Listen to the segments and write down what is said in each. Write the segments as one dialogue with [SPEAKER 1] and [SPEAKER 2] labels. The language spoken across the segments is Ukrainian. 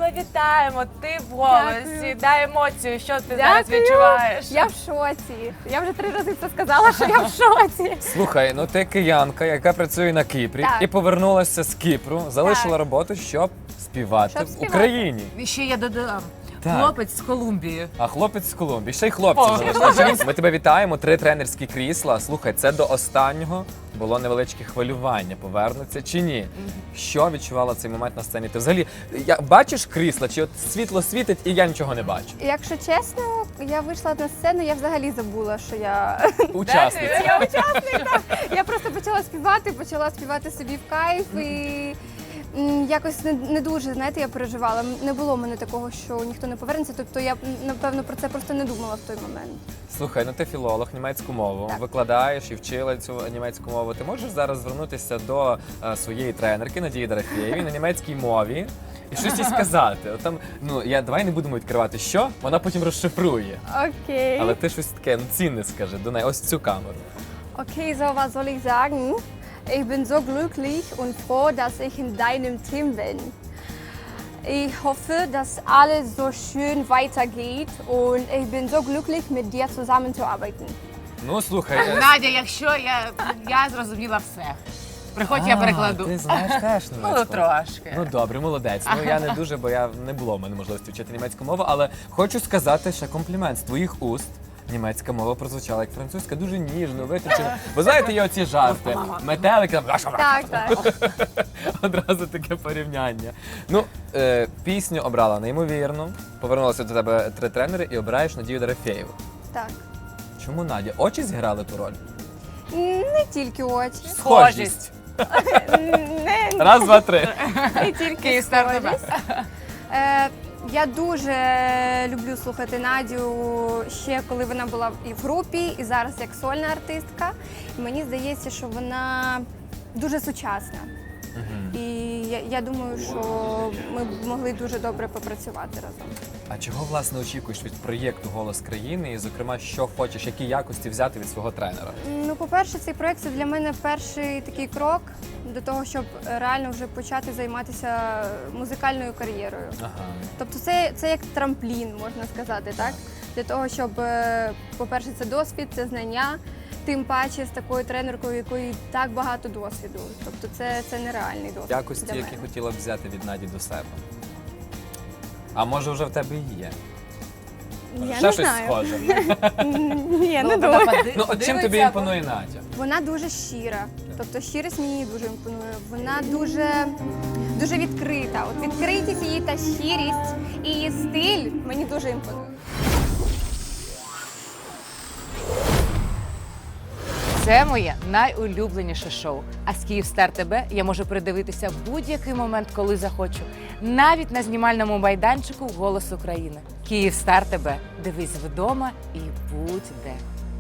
[SPEAKER 1] тебе вітаємо. Ти в голосі.
[SPEAKER 2] Дякую.
[SPEAKER 1] Дай емоцію, що ти зараз відчуваєш.
[SPEAKER 2] Я в шоці. Я вже 3 рази це сказала, що я в шоці.
[SPEAKER 3] Слухай, ну ти киянка, яка працює на Кіпрі
[SPEAKER 2] Так.
[SPEAKER 3] і повернулася з Кіпру, залишила
[SPEAKER 2] Так.
[SPEAKER 3] роботу, щоб співати
[SPEAKER 2] Щоб
[SPEAKER 3] в
[SPEAKER 2] співати.
[SPEAKER 3] Україні.
[SPEAKER 1] І ще я додам.
[SPEAKER 3] Так.
[SPEAKER 1] Хлопець з Колумбії.
[SPEAKER 3] А хлопець з Колумбії, ще й хлопці
[SPEAKER 1] О.
[SPEAKER 3] залишилися. Ми тебе вітаємо, 3 тренерські крісла. Слухай, це до останнього було невеличке хвилювання, повернуться чи ні. Що відчувала в цей момент на сцені? Ти взагалі бачиш крісла, чи от світло світить і я нічого не бачу?
[SPEAKER 2] Якщо чесно, я вийшла на сцену, я взагалі забула, що я
[SPEAKER 3] Учасниця.
[SPEAKER 2] Я учасник, так. Я просто почала співати собі в кайф і якось не дуже, знаєте, я переживала. Не було в мене такого, що ніхто не повернеться. Тобто я, напевно, про це просто не думала в той момент.
[SPEAKER 3] Слухай, ну ти філолог, німецьку мову,
[SPEAKER 2] Так.
[SPEAKER 3] викладаєш і вчила цю німецьку мову. Ти можеш зараз звернутися до своєї тренерки Надії Дорофєєвій на німецькій мові і щось їй сказати. От там, давай не будемо відкривати, що, вона потім розшифрує.
[SPEAKER 2] Окей.
[SPEAKER 3] Але ти щось таке цінне скажи до неї, ось цю камеру.
[SPEAKER 2] Okay, so was soll ich sagen? Ich bin so glücklich und froh, dass ich in deinem Team bin. Ich hoffe, dass alles so schön weitergeht und ich bin so glücklich, mit dir zusammenzuarbeiten.
[SPEAKER 3] Ну, слухай.
[SPEAKER 1] Надя, якщо я зрозуміла все. Приходь, я перекладу.
[SPEAKER 3] Ти знаєш теж німецьку?
[SPEAKER 1] Ну, трошки.
[SPEAKER 3] Ну, добре, молодець. Ну, я не дуже, бо не було в мене можливості вчити німецьку мову, але хочу сказати ще комплімент з твоїх уст. Німецька мова прозвучала як французька, дуже ніжно, витончено. Ви знаєте, є оці жарти. Метелики там.
[SPEAKER 2] Так.
[SPEAKER 3] Одразу таке порівняння. Ну, пісню обрала неймовірно. Повернулася до тебе 3 тренери і обираєш Надію Дорофєєву.
[SPEAKER 2] Так.
[SPEAKER 3] Чому Надя? Очі зіграли ту роль?
[SPEAKER 2] Не тільки очі.
[SPEAKER 3] Схожість.
[SPEAKER 2] Не,
[SPEAKER 3] Раз, два, 3.
[SPEAKER 2] не тільки
[SPEAKER 1] Київстар
[SPEAKER 2] схожість. Я дуже люблю слухати Надю ще коли вона була і в групі, і зараз як сольна артистка. І мені здається, що вона дуже сучасна. І я думаю, що ми б могли дуже добре попрацювати разом.
[SPEAKER 3] А чого, власне, очікуєш від проєкту «Голос країни» і, зокрема, що хочеш, які якості взяти від свого тренера?
[SPEAKER 2] Ну, по-перше, цей проєкт – це для мене перший такий крок до того, щоб реально вже почати займатися музикальною кар'єрою.
[SPEAKER 3] Ага.
[SPEAKER 2] Тобто це як трамплін, можна сказати, так? Для того, щоб, по-перше, це досвід, це знання, тим паче з такою тренеркою, у якої так багато досвіду. Тобто це нереальний досвід.
[SPEAKER 3] Якості,
[SPEAKER 2] для
[SPEAKER 3] які
[SPEAKER 2] мене.
[SPEAKER 3] хотіла б взяти від Наді до себе. А може вже в тебе і є? Може,
[SPEAKER 2] Я
[SPEAKER 3] ще
[SPEAKER 2] не
[SPEAKER 3] щось
[SPEAKER 2] знаю.
[SPEAKER 3] схоже?
[SPEAKER 2] Ні, не думаю.
[SPEAKER 3] Ну, от чим тобі імпонує Надя?
[SPEAKER 2] Вона дуже щира. Тобто щирість мені дуже імпонує. Вона дуже відкрита. От відкритість її та щирість і її стиль мені дуже імпонує.
[SPEAKER 1] Це моє найулюбленіше шоу. А з Київстар ТБ я можу передивитися в будь-який момент, коли захочу. Навіть на знімальному майданчику «Голос України». Київстар ТБ. Дивись вдома і будь де.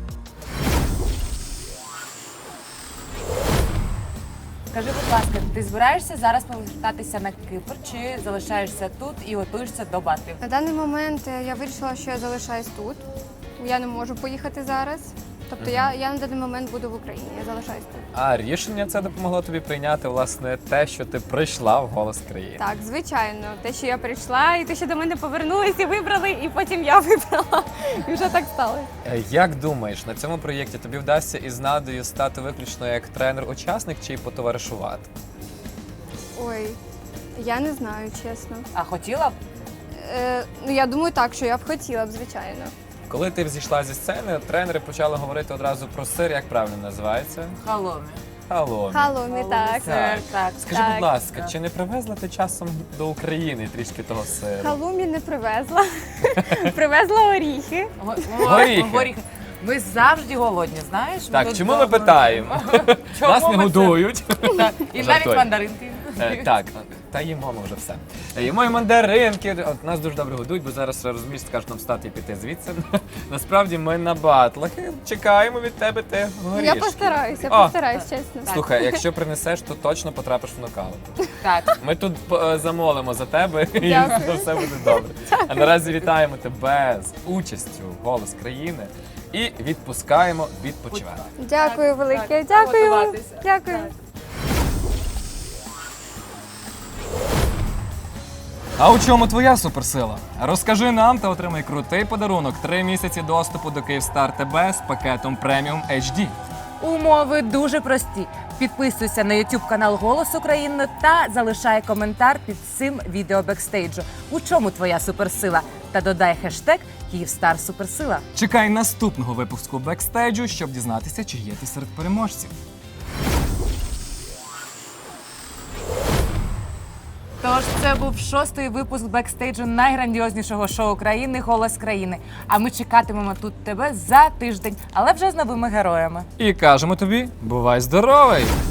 [SPEAKER 1] Скажи, будь ласка, ти збираєшся зараз повертатися на Кипр чи залишаєшся тут і готуєшся до батлів?
[SPEAKER 2] На даний момент я вирішила, що я залишаюсь тут. Я не можу поїхати зараз. Тобто я на даний момент буду в Україні, я залишаюсь тут.
[SPEAKER 3] А рішення це допомогло тобі прийняти, власне, те, що ти прийшла в «Голос країни».
[SPEAKER 2] Так, звичайно. Те, що я прийшла, і те, що до мене повернулись і вибрали, і потім я вибрала. І вже так сталося.
[SPEAKER 3] Як думаєш, на цьому проєкті тобі вдасться із Надею стати виключно як тренер-учасник чи й потоваришувати?
[SPEAKER 2] Ой, я не знаю, чесно.
[SPEAKER 1] А хотіла б?
[SPEAKER 2] Ну, я думаю так, що я б хотіла б, звичайно.
[SPEAKER 3] Коли ти зійшла зі сцени, тренери почали говорити одразу про сир, як правильно називається?
[SPEAKER 1] Халомі.
[SPEAKER 3] Халомі.
[SPEAKER 2] Халомі, так.
[SPEAKER 1] Так.
[SPEAKER 3] Скажи,
[SPEAKER 2] Так.
[SPEAKER 3] будь ласка, чи не привезла ти часом до України трішки того сиру?
[SPEAKER 2] Халумі не привезла. Привезла оріхи.
[SPEAKER 3] Горіхи.
[SPEAKER 1] Ми завжди голодні, знаєш?
[SPEAKER 3] Так,
[SPEAKER 1] тут
[SPEAKER 3] чому ми
[SPEAKER 1] вдома.
[SPEAKER 3] питаємо?
[SPEAKER 1] Чому
[SPEAKER 3] Нас не
[SPEAKER 1] ми це-
[SPEAKER 3] годують.
[SPEAKER 1] Так, і навіть
[SPEAKER 3] Жартую.
[SPEAKER 1] мандаринки.
[SPEAKER 3] Так, та їмо ми вже все. Їмо і мандаринки, от нас дуже добре годують, бо зараз розумієш, скажуть нам встати і піти звідси. Насправді ми на батлах і чекаємо від тебе те горішки.
[SPEAKER 2] Я постараюсь, чесно.
[SPEAKER 3] Слухай, якщо принесеш, то точно потрапиш в нокаут.
[SPEAKER 1] Так.
[SPEAKER 3] Ми тут замолимо за тебе і
[SPEAKER 2] Дякую.
[SPEAKER 3] все буде добре. А наразі вітаємо тебе з участю в «Голос країни» і відпускаємо відпочивати.
[SPEAKER 2] Дякую велике,
[SPEAKER 1] так,
[SPEAKER 2] дякую.
[SPEAKER 1] готуватися.
[SPEAKER 2] Дякую.
[SPEAKER 1] Так.
[SPEAKER 4] А у чому твоя суперсила? Розкажи нам та отримай крутий подарунок. 3 місяці доступу до Київстар ТБ з пакетом преміум HD.
[SPEAKER 1] Умови дуже прості. Підписуйся на YouTube канал Голос України та залишай коментар під цим відео бекстейджу. У чому твоя суперсила? Та додай хештег Київстар Суперсила.
[SPEAKER 4] Чекай наступного випуску бекстейджу, щоб дізнатися, чи є ти серед переможців.
[SPEAKER 1] Тож це був 6-й випуск бекстейджу найграндіознішого шоу країни «Голос країни». А ми чекатимемо тут тебе за тиждень, але вже з новими героями.
[SPEAKER 4] І кажемо тобі, бувай здоровий!